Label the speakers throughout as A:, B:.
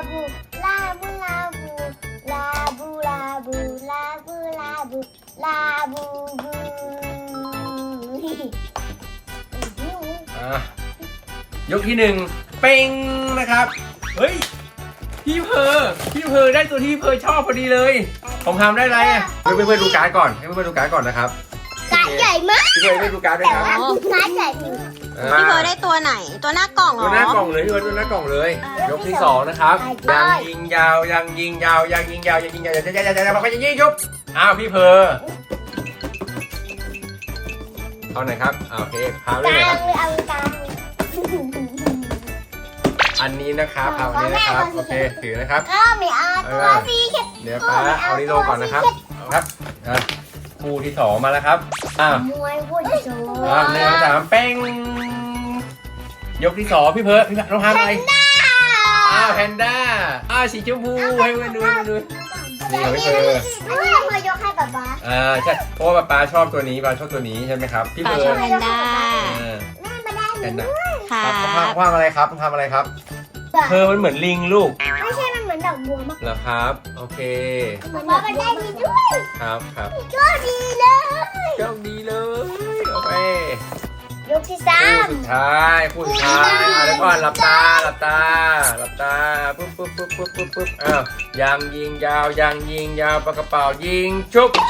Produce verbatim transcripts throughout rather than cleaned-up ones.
A: บูลาบูลาบูลาบูลาบูลาบูลาบูลาบูบู
B: อ่ะยกที่หนึ่งเป้งนะครับเฮ้ยพี่เพอพี่เพอได้ตัวที่พี่เพอชอบพอดีเลยผมทำได้ไรอ่ะให้เพื่อนๆดูการ์ดก่อนให้เพื่อนๆดูการ์ดก่อนนะครับ
A: การ์ดใหญ่มาก
B: พี่เพอได้ดูการ์ดด้วย
A: แต่
B: ครับ
A: ว่าการ์ดใหญ่มาก
C: พี่เพอได้ตัวไหนตัวหน้ากล่องเหร
B: ตัว
C: อ
B: หน้ากล่องเลยพี่เพอตัวหน้ากล่องเลย ยกที่สองนะครับยังยิงยาวยังยิงยาวยังยิงยาวยังยิงยาวยังยังยังยังยังยังยิงยุบอ้าวพี่เพอเอาไหนครับโอเคพาไป
A: ก
B: เลย
A: ลา
B: ค
A: ง
B: รับ
A: เลยเอากลาง
B: อันนี้นะครับเอาอันนี้นะครับโอเคถือนะครับ
A: ก็ไม่เอาตัวสีเข็ด
B: เดี๋ยวป้าเอานี้ลงก่อนนะครับครับอ่ะคู่ที่สองมาแล้วครับอ้าว
A: มวยวุ้ยโซ่
B: อ่าหนึ่งสามเป้งยกที่สองพี่เพิร์ดพี่เพิร์ดต้องทำอะไรอ้าวแพนด้าอ้าวสีชมพูให้เพื่อนดูให้เพื่อนดูนี่ของพี่เพิร์ด
A: อันนี้พอยกให้ป๊าป๊า
B: อ่าใช่เพราะว่าป้าชอบตัวนี้ป้าชอบตัวนี้ใช่ไหมครับพี่
C: ปลา
B: เพิ
C: ช
B: ร์
C: อบ
B: ด
C: แพนด้า
B: อ่า
A: แม่มาได้
B: แพนด้า
C: ค่ะ
B: ครับคว้างอะไรครับทำอะไรครับเพิร์ดมันเหมือนลิงลูก
A: ไม่ใช่มันเหมือนดอกบัวมาก
B: เหรอครับโอเค
A: เหมือนว่ามันได้ดีด้วย
B: ครับครับ
A: ก็ดีเลย
B: โชคดีเลยโอเค
A: ยกที่สา
B: คู่
A: ม
B: สุดท้ายคู่สุดท้ายเอาเดี๋ยวก่อนหลับตาหลับตาหลับตาปุ๊บปุ๊บปุ๊บปุ๊บปุ๊บปุ๊บอ้าวยังยิงยาวยังยิงยาวปากกระเป๋ายิงชุบอ้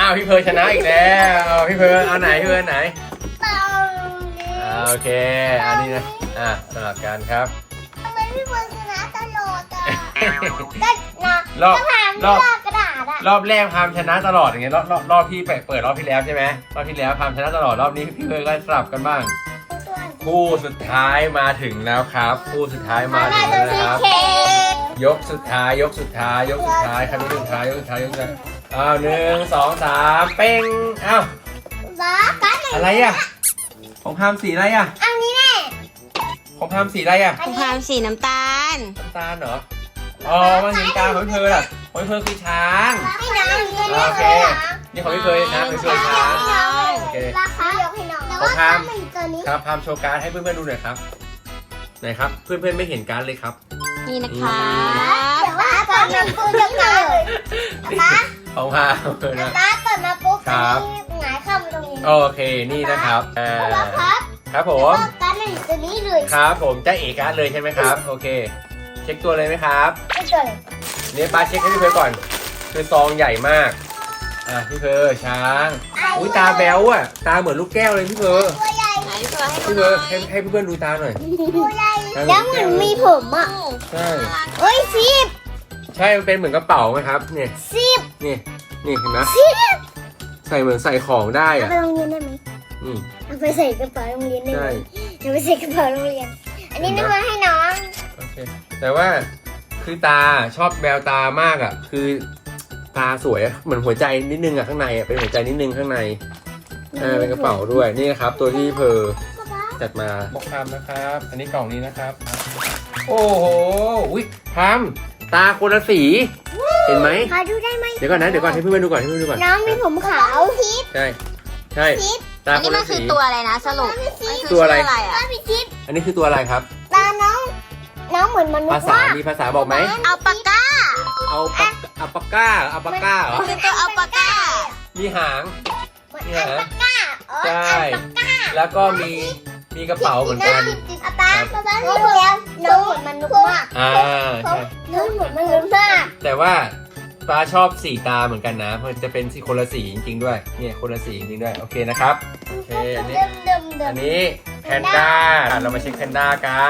B: าวพี่เพิร์ลชนะอีกแล้วพี่เพิร์ลเอาไหนพี่เพิร์ลไหน
A: เต่า
B: อ่าโอเคอันนี้นะอ่ะสลับกันครับ
A: ทำไมพี่เบิร์ดชนะตลอดอ่ะก็นะ
B: รอบ
A: ก็ผ่าน
B: รอบ
A: เลือกกระดาษอ่ะ
B: รอบแรกพามชนะตลอดอย่างเงี้ยรอบรอบรอบที่เปิดเปิดรอบที่แล้วใช่ไหมรอบที่แล้วพามชนะตลอดรอบนี้พี่เพิร์ลก็สลับกันบ้างคู่สุดท้ายมาถึงแล้วครับคู่สุดท้ายมาถึงแล้วนะครับ ยกสุดท้ายยกสุดท้ายยกสุดท้ายครับยกสุดท้ายยกสุดท้ายยกสุดท้ายอ้าวหนึ่งสองสามเป้งอ้าว
A: บ้ากัน
B: อะไรอ่ะของพามสีอะไรอ่ะ
A: อันนี้แน่
B: ของพามสีอะไรอ่ะ
C: ของพามสีน้ำตาล
B: น้ำตาลเหรออ๋อมันสีน้ำตาลของพี่เพิร์ลอ่ะของพี่เพิร์ลคือช้าง
A: ให้น้องนี่
B: โอเคนี่ของพี่เพิร์ลนะพี่เพิร์ลช้างโอเค
A: ราคายกให้น้องแต่
B: ขอ
A: ว่าง
B: พาม
A: มันตัวนี้
B: ครับพามโชว์การ์ดให้เพื่อนๆดูหน่อยครับไหนครับเพื่อนๆไม่เห็นการ์ดเลยครับ
C: นี่นะคะ
A: แต่ว่าตอนนั้นกูจะเกิดป้า
B: ของพามนะ
A: ป้าตอนมาปุ๊บ
B: ครั
A: อั
B: บ
A: นนี้หงายเข้ามาตรงนี้
B: โอเคนี่นะครับอ่า
A: ครับ
B: ครับผ
A: แต่
B: ม
A: ว่าการมันอยู่ตัวนี้เลย
B: ครับผมจะเอกการ์ดเลยใช่ไหมครับโอเค เช็คตัวเลยไหมครับ
A: ไม่เกิด
B: เนี่ยป้าเช็คให้พี่เพิร์ลก่อน คือซองใหญ่มาก อ่ะพี่เพิร์ลช้าง อุ้ยตาแบ๊วอ่ะ ตาเหมือนลูกแก้วเลยพี่เพิร์ล
A: ตัวใหญ่
C: ไหนพี่เพิร์ลให้ดู
B: พี่
C: ห
B: เพิ
C: น่
B: ร์
C: อ
B: ลให้
C: ย
B: ให้เพื่อนๆดูตาหน่อย
A: ตัวใหญ่แล้วเหมือนมีผมอ่ะ
B: ใช่
A: เฮ้ยสิบ
B: ใช่มันเป็นเหมือนกระเป๋าไหมครับ เนี่ย
A: สิบ
B: นี่ นี่เห็นไหม
A: สิบ
B: ใส่เหมือนใส่ของได้
A: เอา
B: อ่ะ
A: ไปโรงเรียนได้ไหม
B: อืม
A: เอาไปใส่กระเป๋าโรงเรียนได้ไหม
B: ใช่
A: เอาไปใส่กระเป๋าโรงเรียน อันนี้นึกว่าให้น้อง
B: โอเค แต่ว่าคือตาชอบแววตามากอ่ะ คือตาสวยอะเหมือนหัวใจนิดนึงอ่ะข้างในอ่ะ เป็นหัวใจนิดนึงข้างในเออเป็นกระเป๋าด้วย นี่นะครับ ตัวที่เพอจัดมาบอกคำนะครับ อันนี้กล่องนี้นะครับ โอ้โหอุ้ยทำตาคนละสี เห็นไหม
A: ขอดูได้ไหม
B: เดี๋ยวก่อนนะ เดี๋ยวก่อนให้เพื่อนๆดูก่อนให้เพื่อนๆดูก่อน
A: น้องมีผมขาวทิพย์
B: ใช่ ใช่ ตา
C: อัน
B: ค
C: นี้
B: น
C: มั
B: ละ
C: นคื
B: สี
C: อตัวอะไรนะสรุปมันคือ
B: ตัวอะไร
C: ชื่อะไร
A: ป้า
C: อ่ะ
A: พี่ทิพย์
B: อันนี้คือตัวอะไรครับ
A: ตาน้อง น้องเหมือนมนุษ
B: ภา
A: ย์
B: ษา
A: ว่า
B: มีภาษาบอกไหม
C: อัลปาก้า
B: เอาปากอัลปาก้าอัลปาก้าเหรอ
C: คือตัวอัลปาก้า
B: มีหาง
A: เหมือนอัลปาก้าอ๋อ
B: ใช่
A: อัลปาก้า
B: แล้วก็มี มีกระเป๋าเหมือนกัน
A: อาป้าป้าป้าพี่เลี้ยงน้องเหมือนมนุษย์มาก
B: อ่าใช่
A: น้องเหมือนมนุษย์มาก
B: แต่ว่าปลาชอบสีตาเหมือนกันนะ เพราะจะเป็นสีคนละสีจริงๆด้วย เนี่ยคนละสีจริงๆด้วย โอเคนะครับ โอเค อันนี้
A: เดิมเดิมเดิ
B: อั
A: ม
B: นนี้แพนด้า เรามาเช็คแพนด้ากัน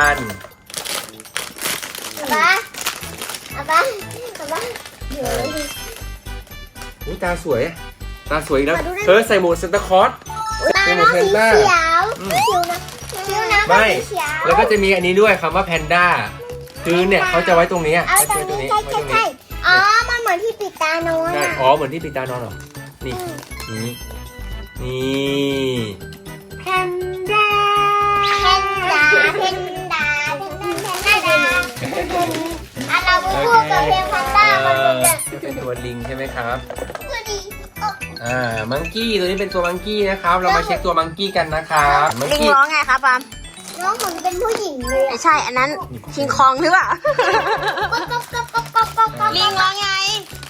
A: อาป้าอาป้าอาป้าเดี๋ยว
B: อุ้ยตาสวย ตาสวยอีกแล้วเธอใส่หมวกเซนตาคลอส
A: ตาน้องสีเขียว
B: อืม
A: คิ้วนะคิ้วนะ
B: ไม่
A: สีเขียว
B: แล้วก็จะมีอันนี้ด้วยคำว่าแพนด้า คือเนี่ยเขาจะไว้ตรงนี้
A: เอา
B: เขา
A: ตร
B: จะ
A: ง
B: ไว้ตรง
A: นี้
B: นี้
A: ใช่
B: ไว้ตรง
A: ใช่
B: นี้
A: ใช่อ๋อ มันเหมือนที่ปิดตานอน
B: ใช่
A: อ่ะ
B: อ๋อ เหมือนที่ปิดตานอนเหรอ นี่ นี่ นี่
A: แพนด้าแพนด้าแพนด้าแพนด้าแพนด้าอ่ะเราไปพูดกับเพลงแพนด้ามันจะ
B: เป็นตัวลิงใช่ไหมครับ
A: พอดี
B: อ่า มังกี้ตัวนี้เป็นตัวมังกี้นะครับ เรามาเช็คตัวมังกี้กันนะครับมัง
C: ลิง
B: กี้
C: ร้องไงครับปาม
A: น้องเหมือนเป็นผู้หญิงเลย
C: ไม่ใช่อันนั้นคิงคองหรือเปล่า
A: ก๊อกก๊อกก๊อกก๊อกก๊อกก๊อกก๊อก
C: ลิงร้องไง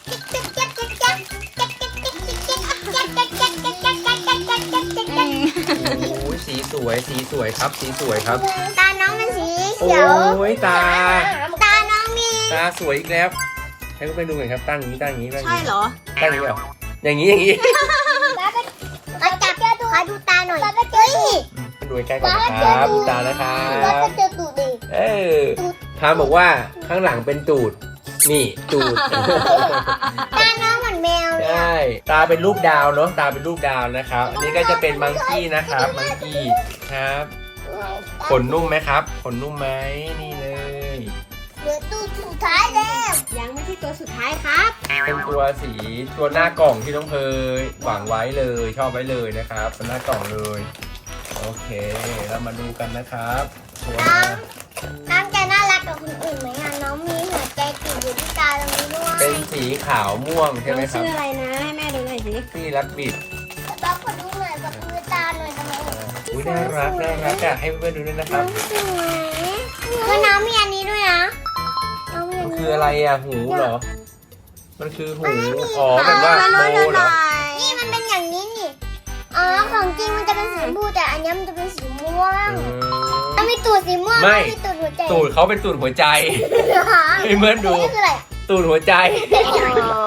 B: โอ้ยสีสวย สีสวยครับ สีสวยครับ
A: ตาน้องเป็นสี
B: โอ้
A: เขียวย
B: ตา
A: ตาน้องมี
B: ตาสวยอีกแล้ว ให้เพื่อนๆดูหน่อยครับ ตั้งอย่างนี้ ตั้งอย่างนี้ตั้งอย่าง
C: ใช่
B: นี้
C: เหรอ
B: ตั้งอย่างนี้เหรออย่างนี้ อย่างนี้
A: มาจับขอดูตาหน่อยเฮ้ย
B: ดูใกล้ๆก่อนนะครับ ดูตานะครั
A: ก็
B: บ
A: จะเจอตูดดิ
B: เออพามบอกว่าข้างหลังเป็นตูด นี่ตูด
A: ตาน้องเหมือนแมวเลย
B: ใช่ ตาเป็นรูปดาวเนาะ ตาเป็นรูปดาวนะครับ อันนี้ก็จะเป็นมังกี้นะครับ มังกี้ครับ ขนนุ่มไหมครับ ขนนุ่มไหมนี่เลย
A: เหลือตูดสุดท้ายแล้ว
C: ยังไม่ใช่ตัวสุดท้ายครับ
B: เป็นตัวสีตัวหน้ากล่องที่น้องเพยหวังไว้เลย ชอบไว้เลยนะครับเป็นหน้ากล่องเลย โอเคเรามาดูกันนะครับตัวหน้า
A: น้องจะน่ารักกับคนอื่นไหมอ่ะน้องมีหัวใจติดอยู่ที่ตาตรงนี้ด้วย
B: เป็นสีขาวม่วงใช่ไหมครับ
C: ชื่ออะไรนะให้แม่ดูหน่อยสิ
B: ที่รักบิด
A: ป๊าขอดูหน่อยกับมือตาหน่อยทำไม
B: อุ้ยน่ารักน่ารักอะให้เพื่อนๆดูด้วยนะค
A: น้
B: รั
A: อบ งสวยคือน้องมีอันนี้ด้วยนะน้องมีอั
B: มัน น
A: นี้
B: คืออะไรอะหูเหรอ มันคือหูอ๋อแบบว่า
C: มา
B: โม
C: ดู
B: เห
C: ห
B: ร
C: น่
B: อ
C: อย
A: นี่มันเป็นอย่างนี้นี่อ๋อของจริงมันจะเป็นสีชมพูแต่อันนี้มันจะเป็นสีม่วง
B: อืม
A: มันมีตูดสีม่วง
B: ไม่
A: มีตูดหัวใจ
B: ตูดเขาเป็นตูดหัวใจ
A: เหรอ
B: ให้เพื่อนดู
A: นี่คืออะไร
B: ตูดหัวใจ
C: โอ้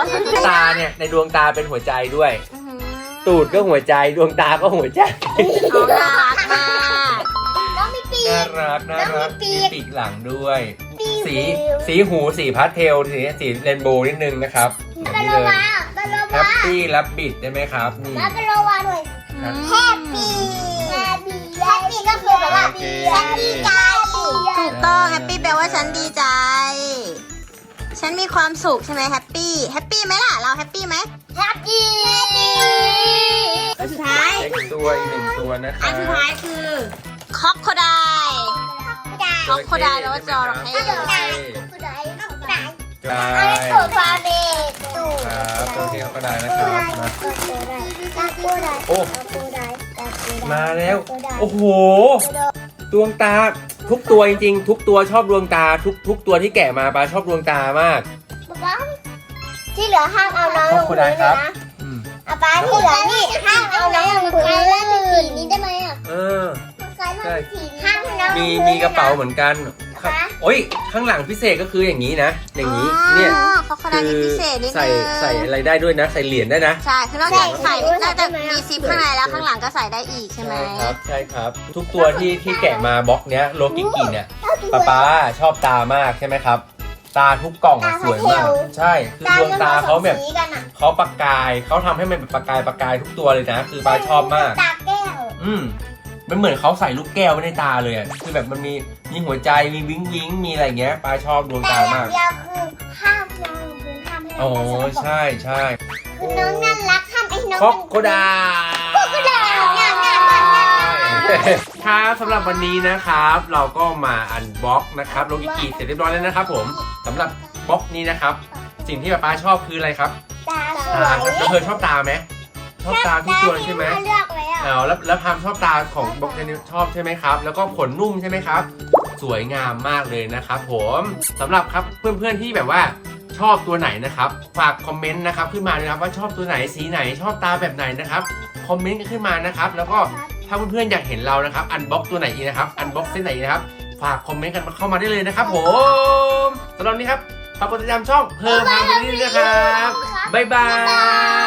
B: ตาเนี่ยในดวงตาเป็นหัวใจด้วย
C: อื้อหือ
B: ตูดก็หัวใจดวงตาก็หัวใจ
C: น้องน่ารักมาก
A: น้องมีปี
B: น่าก รักน่ารัก
A: แล้วมีปี
B: มี
A: ก
B: ปีกหลังด้วย
A: ปี
B: สีสีหูสีพาสเทลสีสีเรนโบว์นิดนึงนะครับ
A: บา
B: นี่
A: โล
B: เลย
A: วาบาโล
B: แฮ
A: วา
B: ปปี้รับบิดได้ไหมครับนี่
A: บาโลวาหน่อย
C: อืม
A: แฮปปี้แฮปปี้แฮปปี้ก็คือแบบว่า
B: โอเค
A: แฮปปี้ใจ
C: ถูกต้องแฮปปี้แปลว่าฉันดีใจ ฉันมีความสุขใช่ไหมแฮปปี้แฮปปี้ไหมล่ะเราแฮปปี้ไหม
A: แฮปปี้
C: อันสุดท้าย
B: เล็กตัวอีกหนึ่งตัวนะครั
C: อั
B: บ
C: นสุดท้ายคือคอกโคไดคอกโคไดแปลว่าจระเข้
A: กระโดดได้กระโดดได้กระโดดได้
B: ใช่
A: อันนี้ตูดฟาเบกตูด
B: ครับตัวที่เขาก็ได้นะครับมา
A: กระโดดได้กระโดดได้
B: โอ้
A: กระโดดได้กระโดดได้
B: มาแล้ว
A: กระโดดได้
B: โอ้โห
A: กระโดด
B: ดวงตาทุกตัวจริงๆ ทุกตัวชอบดวงตาทุกทุกตัวที่แกะมาปลาชอบดวงตามาก
A: ป๊าที่เหลือห้ามเอาน้องลงพื้นเลยนะ
B: อืม
A: อาป๊าที่เหลือนี่ห้ามเอาน้องลงพื้นแล้วเป็นสีนี้ได้ไหมอ่ะ
B: เออ
A: ใช่ห้ามน้องลง
B: มี
A: พื้น
B: มีกระเป๋าเหมือนกัน
A: คะ
B: โอ้ยข้างหลังพิเศษก็คืออย่างนี้นะ อย่างนี้เนี่ย
C: คอกโคไดมีพิเศษนิด
B: ใส่
C: นึง
B: ใส่อะไรได้ด้วยนะ ใส่เหรียญได้นะ
C: ใช่คือนอกจากใส่นอกจากมีซิปข้างในแล้วข้างหลังก็ใส่ได้อีกใช่ไหม
B: ครับใช่ครับ ทุกตัวที่ที่แกะมาบล็อกเนี้ยโลกิกิเนี่ยป๊าป๊าชอบตามากใช่ไหมครับ ตาทุกกล่องอะสวยมาก ใช่คือดวงตาเขาแบบ
A: สีกันอ่ะ
B: เขาประกายเขาทำให้มันเป็นประกายประกายทุกตัวเลยนะ คือป๊าชอบมาก
A: ตาแก้ว
B: อืมมันเหมือนเขาใส่ลูกแก้วไว้ในตาเลยอะคือแบบมันมีมีหัวใจมีวิ้งวิ้งมีอะไรเงี้ยป๊าชอบดวง
A: แต่
B: ตา
A: อย่าม
B: าง ก
A: เดียวคือห้ามน้องลงพื้นห้ามให้น้
B: โอ้
A: องเป็นสกปรก
B: ใช่ใช่
A: คือน้องน่ารักห้ามไอ้น้อง
B: คอกโคดา
A: คอกโคดาเนี่ยเนี่ยเนี่ยเนี่ย
B: ครับสำหรับวันนี้นะครับ เราก็มาอันบ็อกนะครับโลกิกิเสร็จเรียบร้อยแล้วนะครับผมสำหรับบล็อกนี้นะครับ สิ่งที่ป๊าชอบคืออะไรครับ
A: ตาส
B: ตา
A: วย
B: แล้วเธอชอบตาไหมชอบตาทุกตัวเลยใช่ไหม
A: ที่เลือกไว้อ่ะ
B: เอาแล้วแล้วพามชอบตาของบล็อกนี้ชอบใช่ไหมครับ แล้วก็ขนนุ่มใช่ไหมครับ สวยงามมากเลยนะครับผมสำหรับครับเพื่อนๆที่แบบว่าชอบตัวไหนนะครับฝากคอมเมนต์นะครับขึ้นมาเลยนะครับว่าชอบตัวไหนสีไหนชอบตาแบบไหนนะครับคอมเมนต์กันขึ้นมานะครับแล้วก็ถ้าเพื่อนๆอยากเห็นเรานะครับอันบ็อกตัวไหนอีกนะครับอันบ็อกเส้นไหนอีกนะครับฝากคอมเมนต์กันเข้ามาได้เลยนะครับผมสำหรับวันนี้ครับฝากกดติดตามช่องเพิ่มพาไปนี่นะครับบ๊ายบาย